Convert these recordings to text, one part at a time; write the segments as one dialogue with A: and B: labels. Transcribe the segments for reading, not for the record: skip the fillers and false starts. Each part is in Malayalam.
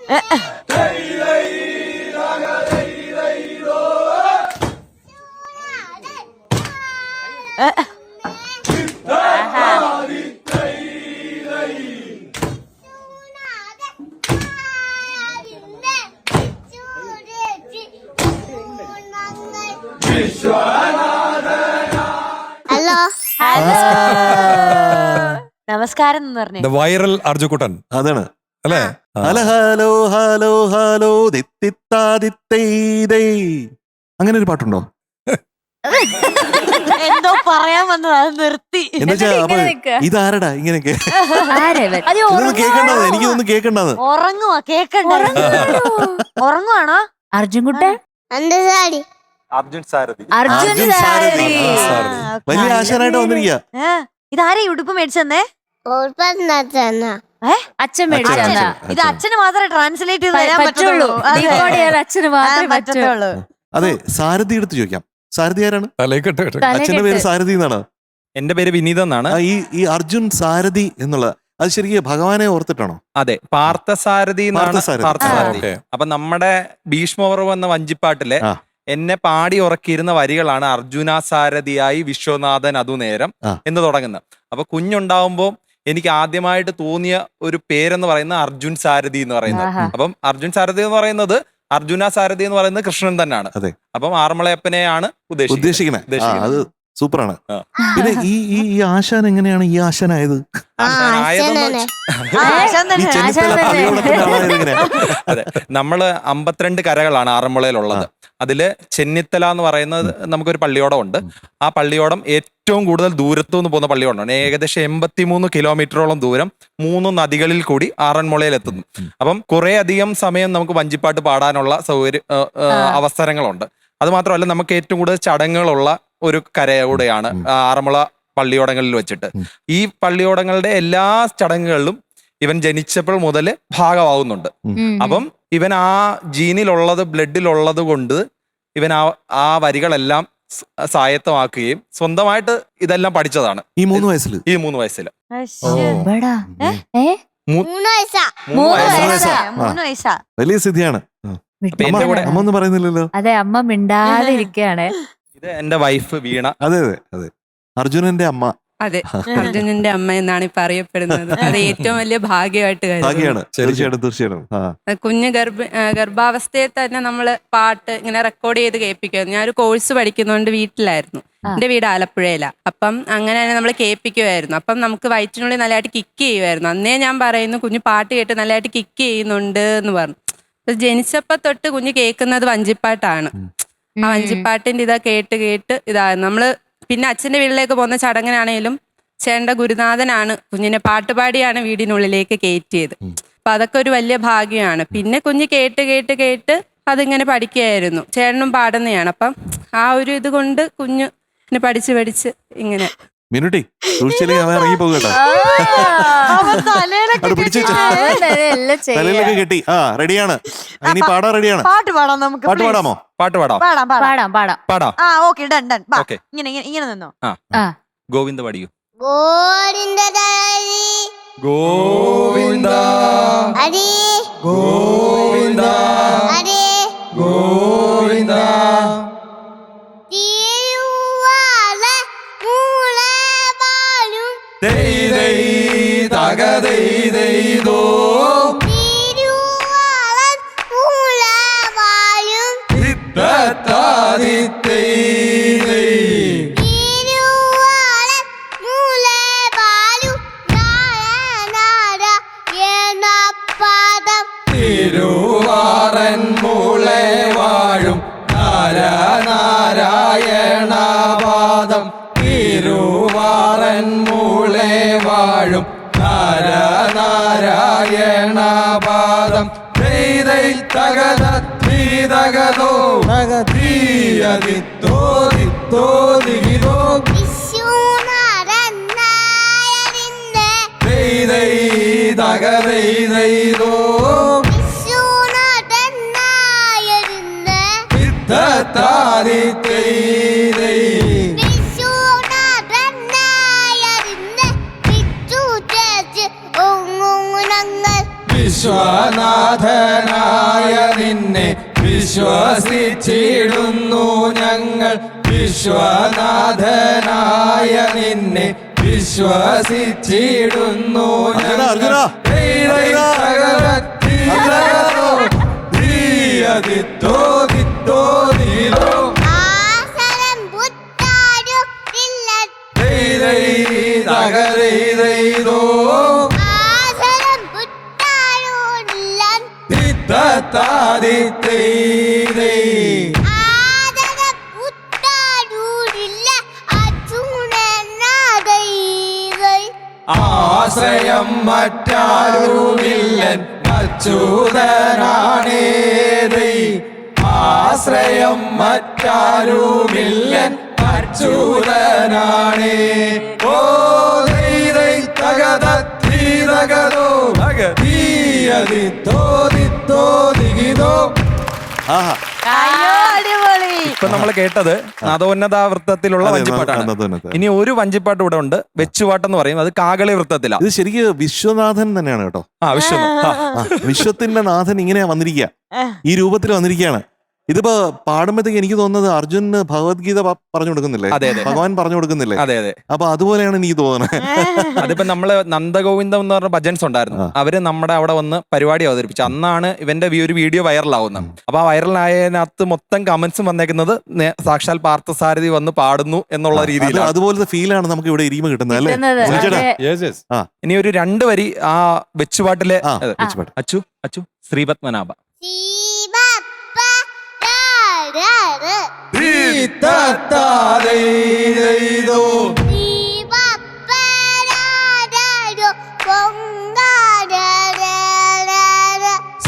A: ഹലോ
B: നമസ്കാരം എന്ന് പറഞ്ഞു
C: വൈറൽ അർജുക്കുട്ടൻ
D: അതാണ്
C: അല്ലേ?
D: ഹലോ ഹലോ ഹലോ ഹലോ അങ്ങനെ ഒരു പാട്ടുണ്ടോ?
B: എന്തോ പറയാൻ വന്നത് അത് നിർത്തി.
D: എന്നുവെച്ചാ അപ്പൊ ഇതാരടാ ഇങ്ങനെയൊക്കെ കേക്കണ്ടത്? എനിക്കിതൊന്നും കേക്കണ്ടത്.
B: ഉറങ്ങുവാ, കേക്കണ്ട. ഉറങ്ങുവാണോ
E: അർജുൻകുട്ടൻ?
D: അർജുൻ സാരഥി
B: ആ,
D: വലിയ ആശാനായിട്ട് വന്നിരിക്കുക.
B: ഇതാരെ ഉടുപ്പ് മേടിച്ചെന്നേ?
E: അച്ഛൻ മേടിച്ചതാ.
B: ഇത് അച്ഛന് മാത്രമേ ട്രാൻസ്ലേറ്റ് ചെയ്ത് തരാൻ
E: പറ്റുള്ളൂ.
B: പറ്റുള്ളൂ.
E: ഡീകോഡ് ചെയ്യാൻ അച്ഛന് മാത്രമേ
B: പറ്റത്തുള്ളൂ.
D: അതെ, സാരഥി എടുത്ത് ചോദിക്കാം. സാരഥി ആരാണ്?
C: തലയിക്കെട്ട്
D: അച്ഛന്റെ പേര് സാരഥി എന്നാണ്.
F: എന്റെ പേര് വിനീത് എന്നാണ്.
D: ഈ അർജുൻ സാരഥി എന്നുള്ള അത് ശരിക്കും ഭഗവാനെ ഓർത്തിട്ടാണോ?
F: അതെ, പാർത്ഥസാരഥി എന്നാണ്. പാർത്ഥസാരഥി. അപ്പൊ നമ്മുടെ ഭീഷ്മപർവ്വം എന്ന വഞ്ചിപ്പാട്ടിലെ എന്നെ പാടി ഉറക്കിയിരുന്ന വരികളാണ് അർജുനാസാരഥിയായി വിശ്വനാഥൻ അതുനേരം എന്ന് തുടങ്ങുന്നത്. അപ്പൊ കുഞ്ഞുണ്ടാവുമ്പോ എനിക്ക് ആദ്യമായിട്ട് തോന്നിയ ഒരു പേരെന്ന് പറയുന്നത് അർജുൻ സാരഥി എന്ന് പറയുന്നത്. അപ്പം അർജുൻ സാരഥി എന്ന് പറയുന്നത് അർജുന സാരഥി എന്ന് പറയുന്നത് കൃഷ്ണൻ തന്നെയാണ്. അപ്പം ആറന്മുളയപ്പനെയാണ് ഉദ്ദേശിക്കുന്നത്.
D: അത് സൂപ്പറാണ്. പിന്നെ ഈ ആശാൻ എങ്ങനെയാണ് ഈ ആശാനായത്?
F: അതെ, നമ്മള് 52 കരകളാണ് ആറന്മുളയിലുള്ളത്. അതില് ചെന്നിത്തല എന്ന് പറയുന്നത് നമുക്കൊരു പള്ളിയോടം ഉണ്ട്. ആ പള്ളിയോടം ഏറ്റവും കൂടുതൽ ദൂരത്തു നിന്ന് പോകുന്ന പള്ളിയോടമാണ്. ഏകദേശം 83 കിലോമീറ്ററോളം ദൂരം 3 നദികളിൽ കൂടി ആറന്മുളയിൽ എത്തുന്നു. അപ്പം കുറെ അധികം സമയം നമുക്ക് വഞ്ചിപ്പാട്ട് പാടാനുള്ള അവസരങ്ങളുണ്ട്. അത് മാത്രമല്ല, നമുക്ക് ഏറ്റവും കൂടുതൽ ചടങ്ങുകളുള്ള ഒരു കരയോടെയാണ് ആറന്മുള പള്ളിയോടങ്ങളിൽ വെച്ചിട്ട്. ഈ പള്ളിയോടങ്ങളുടെ എല്ലാ ചടങ്ങുകളിലും ഇവൻ ജനിച്ചപ്പോൾ മുതൽ ഭാഗമാവുന്നുണ്ട്. അപ്പം ഇവൻ ആ ജീനിലുള്ളത്, ബ്ലഡിലുള്ളത് കൊണ്ട് ഇവൻ ആ വരികളെല്ലാം സ്വായത്തമാക്കുകയും സ്വന്തമായിട്ട് ഇതെല്ലാം പഠിച്ചതാണ് ഈ 3 വയസ്സിൽ.
D: വലിയ സ്ഥിതിയാണ്. അമ്മ ഒന്നും പറയുന്നില്ലല്ലോ.
E: അതെ, അമ്മ മിണ്ടാതെ ഇരിക്കുകയാണ്.
F: ഇത് എന്റെ വൈഫ് വീണ.
D: അതെ അതെ അതെ, അർജുനന്റെ അമ്മ.
G: അതെ, അർജുനന്റെ അമ്മ എന്നാണ് ഇപ്പൊ അറിയപ്പെടുന്നത്. അത് ഏറ്റവും വലിയ ഭാഗ്യമായിട്ട്
D: തീർച്ചയായിട്ടും.
G: കുഞ്ഞ് ഗർഭാവസ്ഥയിൽ തന്നെ നമ്മള് പാട്ട് ഇങ്ങനെ റെക്കോർഡ് ചെയ്ത് കേൾപ്പിക്കുമായിരുന്നു. ഞാനൊരു കോഴ്സ് പഠിക്കുന്നതുകൊണ്ട് വീട്ടിലായിരുന്നു. എന്റെ വീട് ആലപ്പുഴയിലാ. അപ്പം അങ്ങനെ തന്നെ നമ്മൾ കേൾപ്പിക്കുമായിരുന്നു. അപ്പം നമുക്ക് വയറ്റിനുള്ളിൽ നല്ലതായിട്ട് കിക്ക് ചെയ്യുമായിരുന്നു. അന്നേ ഞാൻ പറയുന്നു, കുഞ്ഞ് പാട്ട് കേട്ട് നല്ലതായിട്ട് കിക്ക് ചെയ്യുന്നുണ്ട് എന്ന് പറഞ്ഞു. ജനിച്ചപ്പോ തൊട്ട് കുഞ്ഞ് കേൾക്കുന്നത് വഞ്ചിപ്പാട്ടാണ്. ആ വഞ്ചിപ്പാട്ടിന്റെ ഇതാ കേട്ട് നമ്മള് പിന്നെ അച്ഛന്റെ വീട്ടിലേക്ക് പോകുന്ന ചടങ്ങിനാണേലും ചേട്ടന്റെ ഗുരുനാഥനാണ് കുഞ്ഞിനെ പാട്ടുപാടിയാണ് വീടിനുള്ളിലേക്ക് കയറ്റിയത്. അപ്പൊ അതൊക്കെ ഒരു വലിയ ഭാഗ്യമാണ്. പിന്നെ കുഞ്ഞ് കേട്ട് അതിങ്ങനെ പഠിക്കുകയായിരുന്നു. ചേട്ടനും പാടുന്നതാണ്. അപ്പം ആ ഒരു ഇത് കൊണ്ട് കുഞ്ഞ് പഠിച്ച് ഇങ്ങനെ
D: മിനുട്ടി ഇറങ്ങി പോകട്ടോ. തലയിലൊക്കെ കെട്ടി റെഡിയാണ്. ഇനി പാടാൻ റെഡിയാണ്.
B: പാട്ട് പാടാം നമുക്ക്.
D: പാട്ട് പാടാമോ?
F: പാട്ട് പാടാം.
B: ഇങ്ങനെ നിന്നോ.
F: ഗോവിന്ദ പാടിയോ?
A: ഗോവിന്ദ ഹരി ഗോവിന്ദ ഹരി ഗോവിന്ദ
H: തിരുവാറൻ മൂളെ വാഴും നാരായണപാദം. തിരുവാറൻ മൂളെ വാഴും നാരായണപാദം. തകത ധീതകതോ ധീയതിത്തോ ദിത്തോ ദിഗിതോ തകതൈതോ വിശ്വനാഥനായ നിന്നെ വിശ്വസിച്ചിടുന്നു ഞങ്ങൾ. വിശ്വനാഥനായ നിന്നെ വിശ്വസിച്ചിടുന്നു ഞങ്ങൾ.
D: അർജുന,
H: ദിത്തോ ദിത്തോ ദിലോ
A: ആസനം പുത്താരു ഇല്ലൻ
H: ദൈതോ
A: ആസനം പുത്താരു ഇല്ലൻ
H: ദിത്തത്താദിത്തൈ
A: ആദരം പുത്താരു ഇല്ല അച്ചുനനാദൈ
H: ആശ്രയം മറ്റാരുമില്ലൻ അച്യുതനാണേ ദൈ. ആശ്രയം മറ്റാരുമില്ലൻ അച്യുതനാണേ. ഓ ദൈ തകതോ ദിത്തോ ദിത്തോ ദിഗിതോ.
D: ആഹാ.
B: അയ്യോ അടിപൊളി.
F: ഇപ്പൊ നമ്മൾ കേട്ടത് നാദോന്നത വൃത്തത്തിലുള്ള
D: അതെ,
F: വഞ്ചിപ്പാട്ടാണ്.
D: നാദോന്നത.
F: ഇനി ഒരു വഞ്ചിപ്പാട്ട് ഇവിടെ ഉണ്ട്, വെച്ചുപാട്ടെന്ന് പറയും. അത് കാകളി വൃത്തത്തിലാ.
D: ഇത് ശരിക്ക് വിശ്വനാഥൻ തന്നെയാണ് കേട്ടോ.
F: ആ വിശ്വം. ആ.
D: ആ, വിശ്വത്തിന്റെ നാഥൻ ഇങ്ങനെയാ വന്നിരിക്കുക, ഈ രൂപത്തിൽ വന്നിരിക്കുകയാണ്. ഇതിപ്പോ പാടുമ്പോഴത്തേക്ക് എനിക്ക് തോന്നുന്നത് അർജുന് ഭഗവത്ഗീത പറഞ്ഞു കൊടുക്കുന്നില്ലേ,
F: അതെ, അതെ.
D: ഭഗവാൻ പറഞ്ഞു കൊടുക്കുന്നില്ലേ,
F: അതെ അതെ.
D: അപ്പൊ അതുപോലെയാണ് എനിക്ക് തോന്നുന്നത്.
F: അതിപ്പോ നമ്മള് നന്ദഗോവിന്ദം എന്ന് പറഞ്ഞ ഭജൻസ് ഉണ്ടായിരുന്നു. അവര് നമ്മുടെ അവിടെ വന്ന് പരിപാടി അവതരിപ്പിച്ചു. അന്നാണ് ഇവന്റെ ഒരു വീഡിയോ വൈറലാവുന്നത്. അപ്പൊ ആ വൈറലായതിനകത്ത് മൊത്തം കമന്റ്സും വന്നേക്കുന്നത് സാക്ഷാൽ പാർത്ഥസാരഥി വന്ന് പാടുന്നു എന്നുള്ള രീതിയിലാണ്.
D: അതുപോലത്തെ ഫീലാണ് നമുക്ക് ഇവിടെ ഇരിമ കിട്ടുന്നത് അല്ലേ?
E: കിട്ടുന്നത്.
D: വിളിച്ചേട്ടാ.
E: അതെ.
F: ഇനി ഒരു 2 വരി ആ വെച്ചുപാട്ടിലെ
D: ആ, വെച്ചുപാട്ട്.
F: അച്ചു അച്ചു ശ്രീപത്മനാഭ.
A: ശിവപ്പ രാര
H: ദിത്തത്താദിതോ
A: ശിവപ്പ രാരോ പൊങ്കാരര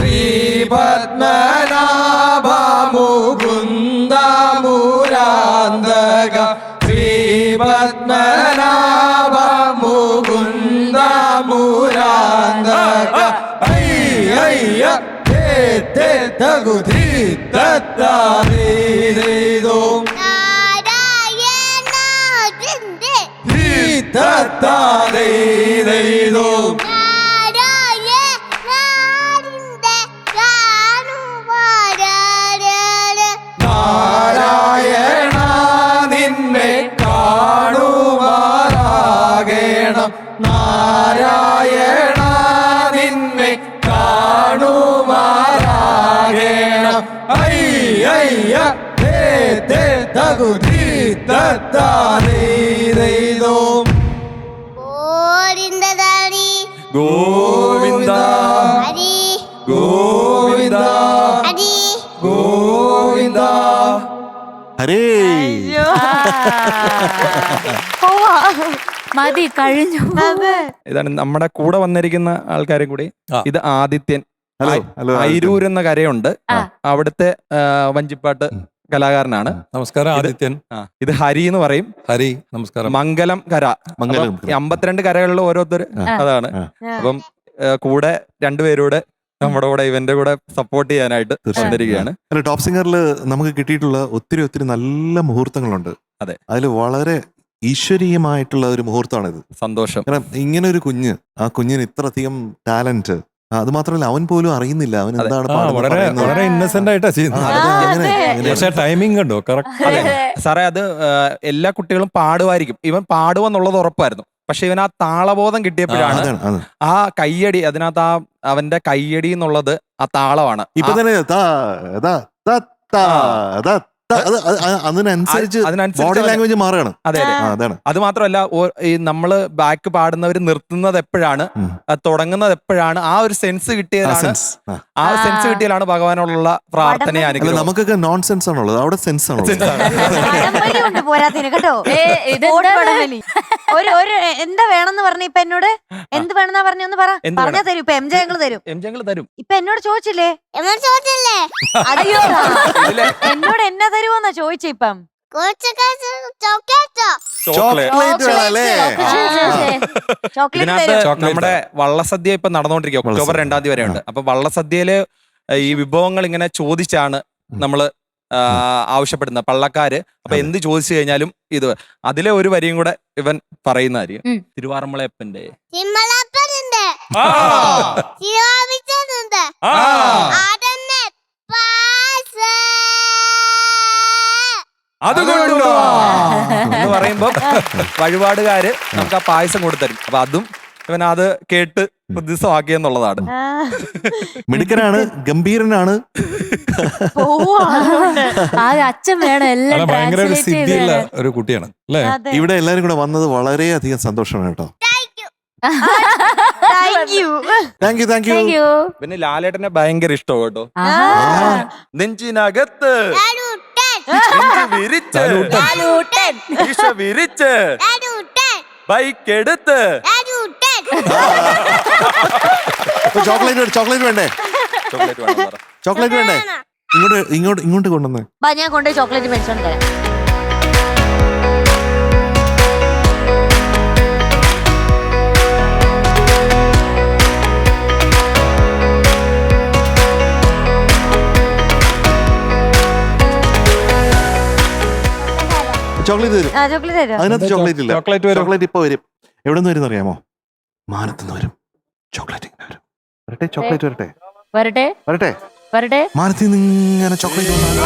H: ശ്രീപത്മനാഭ മുകുന്ദ മുരാന്തക. ശ്രീപത്മനാഭ മുകുന്ദ മുരാന്തക. അയ്യ തകുധീതത്താദിതോ
A: നാരായണാദിന്റെ
H: ധീതത്താദിതോ
A: നാരായണാദിന്റെ കാണുവാരര
H: നാരായണ നിന്നെ കാണുമാറാകണം. നാരായണ നിന്നെ കാണുമാറാകണം. അയ്യ തകുധീതത്താദിതോ
A: ഓരിന്തദാരി
F: ഗോവിന്ദ
A: ഹരി
H: ഗോവിന്ദ
A: ഹരി
H: ഗോവിന്ദ.
D: ഹരേ.
B: അയ്യോ. പോവാ.
E: മതി, കഴിഞ്ഞു.
B: അതെ.
F: ഇതാണ് നമ്മുടെ കൂടെ വന്നിരിക്കുന്ന ആൾക്കാരെ കൂടി. ഇത് ആദിത്യൻ.
D: Hello, hello.
F: അയിരൂർ എന്ന കരയുണ്ട്, അവിടുത്തെ വഞ്ചിപ്പാട്ട് കലാകാരനാണ്.
C: നമസ്കാരം ആദിത്യൻ.
F: ഇത് ഹരി എന്ന് പറയും.
C: ഹരി നമസ്കാരം.
F: മംഗലം കര.
D: മംഗലം.
F: അപ്പം ഈ 52 കരകളിൽ ഓരോരുത്തർ അതാണ്. അപ്പം കൂടെ 2 പേരൂടെ നമ്മുടെ കൂടെ ഇവന്റെ കൂടെ സപ്പോർട്ട് ചെയ്യാനായിട്ട് വന്നിരിക്കുകയാണ്.
D: അല്ല, ടോപ്പ് സിംഗറിൽ നമുക്ക് കിട്ടിയിട്ടുള്ള ഒത്തിരി ഒത്തിരി നല്ല മുഹൂർത്തങ്ങളുണ്ട്.
F: അതെ.
D: അതിൽ വളരെ ഈശ്വരീയമായിട്ടുള്ള ഒരു മുഹൂർത്തമാണിത്.
F: സന്തോഷം.
D: കാരണം ഇങ്ങനെ ഒരു കുഞ്ഞ്, ആ കുഞ്ഞിന് ഇത്രയധികം ടാലന്റ്, അത് മാത്രമല്ല അവൻ പോലും അറിയുന്നില്ല അവൻ എന്താണ് പാടുന്നത്,
C: വളരെ
D: പറയുന്നത്.
C: വളരെ ഇന്നസെന്റ് ആയിട്ടാ ചെയ്യുന്നത്. പക്ഷെ ടൈമിംഗ് കണ്ടോ കറക്റ്റ്.
F: അതെ സാറേ, അത് എല്ലാ കുട്ടികളും പാടുമായിരിക്കും. ഇവൻ പാടുമെന്നുള്ളത് ഉറപ്പായിരുന്നു. പക്ഷെ ഇവൻ ആ താളബോധം കിട്ടിയപ്പോഴാണ്
D: അതാണ്, അതാണ്.
F: ആ കയ്യടി, അതിനകത്ത് അവന്റെ കയ്യടി എന്നുള്ളത് ആ താളമാണ്.
D: ഇപ്പൊ തന്നെ അതിനനുസരിച്ച് ബോഡി ലാംഗ്വേജ് മാറുകയാണ്.
F: അതെ അതെ.
D: അതാണ്.
F: അത് മാത്രമല്ല, ഈ നമ്മള് ബാക്ക് പാടുന്നവർ നിർത്തുന്നത് എപ്പോഴാണ്, തുടങ്ങുന്നത് എപ്പോഴാണ്, ആ ഒരു സെൻസ് കിട്ടിയതാണ്. ആ ഒരു സെൻസ് കിട്ടിയാലാണ് ഭഗവാനോടുള്ള പ്രാർത്ഥന
D: അല്ല,
F: അനുഗ്രഹം.
D: നമുക്കൊക്കെ നോൺ സെൻസ് ആണുള്ളത്, അവിടെ സെൻസ് ആണുള്ളത്.
B: വടംവലി ഉണ്ട് പോരാത്തിന് കേട്ടോ.
E: ഇതെന്താ?
B: ഓട്ട് വടംവലി. ഒരു എന്താ വേണമെന്ന് പറഞ്ഞു ഇപ്പൊ എന്നോട്? എന്ത് വേണമെന്നാ പറഞ്ഞൊന്ന് പറ.
F: എന്ത്
B: പറഞ്ഞാ തരും. ഇപ്പൊ എംജെ ഞങ്ങള് തരും.
F: ഞങ്ങൾ തരും.
B: ഇപ്പൊ എന്നോട് ചോദിച്ചില്ലേ?
A: എന്നോട് ചോദിച്ചല്ലേ
B: അയ്യോ, എന്നോട് എന്നാ തരുമോന്നാ ചോദിച്ചേ ഇപ്പം.
A: കുറച്ചൊക്കെ ചോക്ലേറ്റോ
D: ചോക്ലേറ്റ് വേണമല്ലേ?
B: ചോക്ലേറ്റ്
F: ഇതിനകത്ത്
B: തരും.
F: നമ്മുടെ വള്ളസദ്യ ഇപ്പൊ നടന്നുകൊണ്ടിരിക്കുക. ഒക്ടോബർ 2 വരെയുണ്ട്. അപ്പൊ വള്ളസദ്യയില് ഈ വിഭവങ്ങൾ ഇങ്ങനെ ചോദിച്ചാണ് നമ്മള് ആവശ്യപ്പെടുന്നത് പള്ളക്കാര്. അപ്പൊ എന്ത് ചോദിച്ചു കഴിഞ്ഞാലും ഇത് അതിലെ ഒരു വരിയും കൂടെ ഇവൻ പറയുന്നതായിരിക്കും. തിരുവാറന്മുളയപ്പന്റെ
A: തിമ്മലപ്പനുണ്ട് ശിരോമിച്ചുണ്ട്
F: ആ.
A: അതന്നെ പാസ്
F: അത് കൊണ്ടുവാ എന്ന് പറയുമ്പോ വഴിപാടുകാര് നമുക്ക് ആ പായസം കൊടുത്തരും. അപ്പൊ അതും ഇവൻ അത് കേട്ട് പ്രതിസമാക്കിയെന്നുള്ളതാണ്.
D: മിടുക്കനാണ്, ഗംഭീരനാണ്.
E: ആകെ അച്ഛൻ വേണം എല്ലാം
C: അല്ല ഭയങ്കര ഒരു
E: ട്രാൻസ്ലേറ്റ് ചെയ്ത്
C: സിദ്ധിയുള്ള
E: തരാൻ.
C: ഒരു കുട്ടിയാണ് അല്ലേ?
B: അതെ.
D: ഇവിടെ എല്ലാരും കൂടെ വന്നത് വളരെയധികം സന്തോഷമാണ് കേട്ടോ.
B: Thank you.
D: Thank you thank you.
E: Thank you.
F: പിന്നെ ലാലേട്ടനെ ഭയങ്കര ഇഷ്ടമാണ് കേട്ടോ.
E: ആഹാ.
F: നെഞ്ചിനകത്ത്
A: ലാലൂട്ടൻ
F: നെഞ്ച് വിരിച്ച്
E: ലാലൂട്ടൻ.
F: ഈശ വിരിച്ച്
A: ലാലൂട്ടൻ
F: ബൈക്ക് എടുത്ത്
A: ലാലൂട്ടൻ
D: ചോക്ലേറ്റ് വേണ്ടേ?
F: ചോക്ലേറ്റ് വേണം പറ.
D: ചോക്ലേറ്റ് വേണ്ടേ? ഇങ്ങോട്ട് കൊണ്ടുവന്നേ.
B: ബാ, ഞാൻ കൊണ്ടുപോയി ചോക്ലേറ്റ് മേടിച്ചോണ്ട് തരാം.
D: ചോക്ലേറ്റ് തരും.
B: ആ, ചോക്ലേറ്റ് തരുമോ?
D: അതിനകത്ത് ചോക്ലേറ്റ് ഇല്ല.
C: ചോക്ലേറ്റ് വരും.
D: ചോക്ലേറ്റ് ഇപ്പൊ വരും. എവിടെ നിന്ന് വരും അറിയാമോ? മാനത്തുനിന്ന് വരും. ചോക്ലേറ്റ് ഇങ്ങനെ വരും. വരട്ടെ, ചോക്ലേറ്റ് വരട്ടെ.
E: വരട്ടെ
D: വരട്ടെ.
E: വരട്ടെ.
D: മാനത്തിൽ നിന്ന് ഇങ്ങനെ ചോക്ലേറ്റ് വന്നാലോ?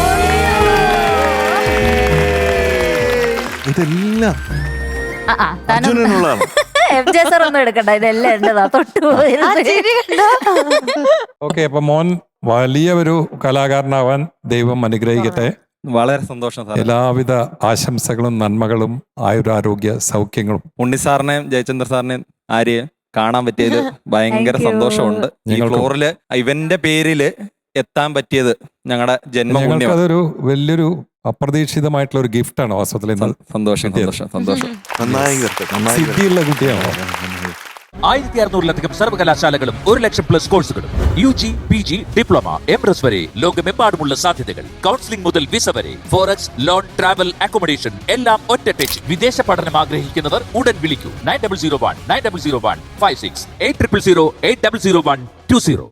D: ഇതെല്ലാം അർജുനനുള്ളതാണ്.
E: FJ sir ഒന്നും എടുക്കണ്ട, ഇതെല്ലാം എന്റേതാ. തൊട്ടു
B: ആ ചിരി കണ്ടോ?
C: ഓക്കെ, അപ്പൊ മോൻ വലിയ ഒരു കലാകാരനാവാൻ ദൈവം അനുഗ്രഹിക്കട്ടെ.
F: വളരെ സന്തോഷം സാർ.
C: എല്ലാവിധ ആശംസകളും നന്മകളും ആയുരാരോഗ്യ സൗഖ്യങ്ങളും.
F: ഉണ്ണിസാറിനെയും ജയചന്ദ്ര സാറിനെയും ആര്യ കാണാൻ പറ്റിയതിൽ ഭയങ്കര
E: Thank you.
F: സന്തോഷമുണ്ട്. ഈ
C: ഞങ്ങൾക്കും.
F: ഫ്ലോറില് ഇവന്റെ പേരില് എത്താൻ പറ്റിയത് ഞങ്ങളുടെ ജന്മപുണ്യം.
C: ഞങ്ങൾക്കതൊരു വലിയൊരു അപ്രതീക്ഷിതമായിട്ടുള്ള ഒരു ഗിഫ്റ്റാണ് വാസ്തവത്തിൽ ഇന്ന്.
F: സന്തോഷം സന്തോഷം സന്തോഷം.
D: നന്നായി വരട്ടെ, നന്നായി വരട്ടെ.
C: സിദ്ധിയുള്ള കുട്ടിയാണോ?
I: 1600-ലധികം സർവകലാശാലകളും 1,00,000+ കോഴ്സുകളും UG, PG, ഡിപ്ലോമ, MRS വരെ ലോകമെമ്പാടുമുള്ള സാധ്യതകൾ. കൗൺസിലിംഗ് മുതൽ വിസ വരെ, ഫോറക്സ്, ലോൺ, ട്രാവൽ, അക്കോമഡേഷൻ എല്ലാം ഒറ്റ ടച്ച്. വിദേശ പഠനം ആഗ്രഹിക്കുന്നവർ ഉടൻ വിളിക്കൂ 9001 9001 56 8000 8001 20.